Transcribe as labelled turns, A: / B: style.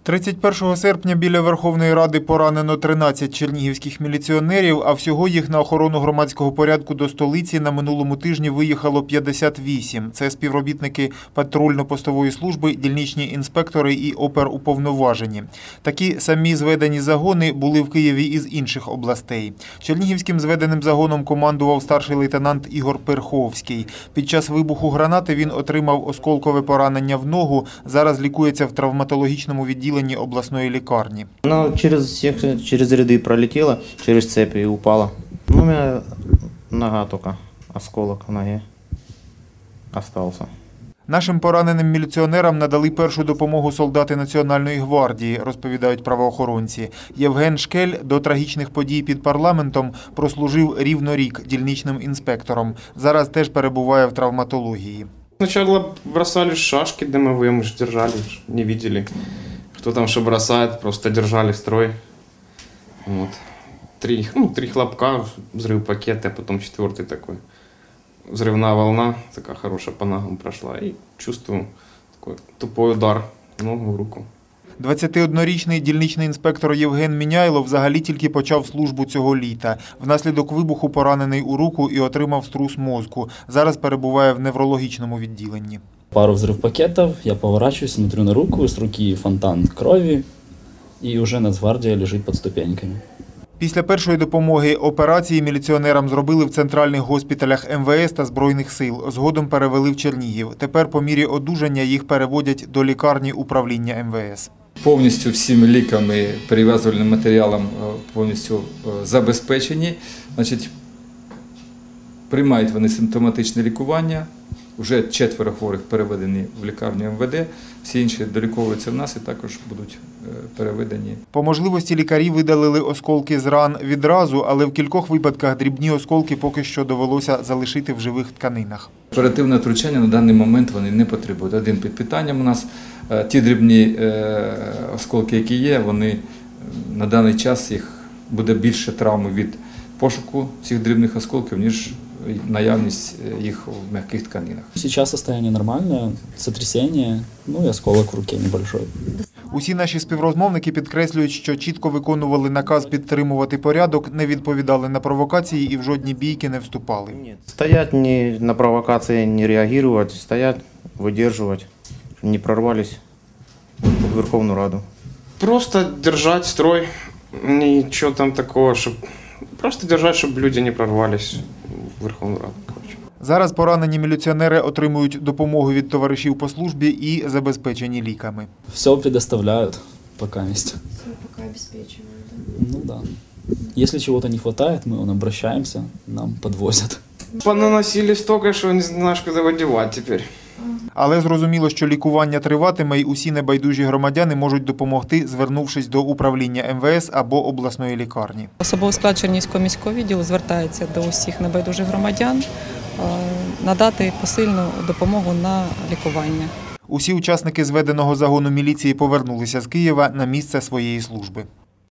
A: 31 серпня біля Верховної Ради поранено 13 чернігівських міліціонерів, а всього їх на охорону громадського порядку до столиці на минулому тижні виїхало 58. Це співробітники патрульно-постової служби, дільничні інспектори і оперуповноважені. Такі самі зведені загони були в Києві із інших областей. Чернігівським зведеним загоном командував старший лейтенант Ігор Перховський. Під час вибуху гранати він отримав осколкове поранення в ногу, зараз лікується в травматологічному відділенні обласної лікарні.
B: Она через ряды пролетела, через цепи и упала. У меня нога только, осколок в ноге остался.
A: Нашим пораненим міліціонерам надали першу допомогу солдати Національної гвардії, розповідають правоохоронці. Євген Шкель до трагічних подій під парламентом прослужив рівно рік дільничним інспектором. Зараз теж перебуває в травматології.
C: Сначала бросали шашки дымовые, мы же держали, не видели, кто там что бросает, просто держали строй. Вот. Три хлопка, взрыв пакета, а потом четвертый такой. Взрывная волна, такая хорошая, по ногам прошла. И чувствую такой тупой удар в ногу, в руку.
A: 21-річний дільничний інспектор Євген Міняйло взагалі тільки почав службу цього літа. Внаслідок вибуху поранений у руку і отримав струс мозку. Зараз перебуває в неврологічному відділенні.
D: Пару взрыв пакетов, я поворачиваюсь, смотрю на руку, с руки фонтан крови, и уже Нацгвардия лежит под ступеньками.
A: Після першої допомоги операції міліціонерам зробили в центральних госпіталях МВС та Збройних сил. Згодом перевели в Чернігів. Тепер по мірі одужання їх переводять до лікарні управління МВС.
E: Повністю всіми ліками, перев'язувальним матеріалом повністю забезпечені. Значить, приймають вони симптоматичне лікування. Вже 4 хворих переведені в лікарню МВД, всі інші доліковуються в нас і також будуть переведені.
A: По можливості лікарі видалили осколки з ран відразу, але в кількох випадках дрібні осколки поки що довелося залишити в живих тканинах.
E: Оперативне втручання на даний момент вони не потребують. Один під питанням у нас. Ті дрібні осколки, які є, вони на даний час їх буде більше травми від пошуку цих дрібних осколків, ніж наявність їх в м'яких тканинах.
D: Сейчас состояние нормальное, сотрясение, и осколок в руке небольшой.
A: Усі наші співрозмовники підкреслюють, що чітко виконували наказ підтримувати порядок, не відповідали на провокації і в жодні бійки не вступали.
B: Стоять на провокации, не реагировать, стоять, выдерживать, не прорвались в Верховную Раду.
C: Просто держать строй, ничего там такого, просто держать, чтобы люди не прорвались в Верховную Раду.
A: Зараз поранені міліціонери отримують допомогу від товаришів по службі і забезпечені ліками.
D: Все предоставляют пока есть.
F: Все пока обеспечивают, да?
D: Да. Если чего-то не хватает, мы обращаемся, нам подвозят.
C: Понаносили столько, что не знаешь, куда выдевать теперь.
A: Але зрозуміло, що лікування триватиме і усі небайдужі громадяни можуть допомогти, звернувшись до управління МВС або обласної лікарні.
G: Особовий склад Чернігівського міського відділу звертається до усіх небайдужих громадян надати посильну допомогу на лікування.
A: Усі учасники зведеного загону міліції повернулися з Києва на місце своєї служби.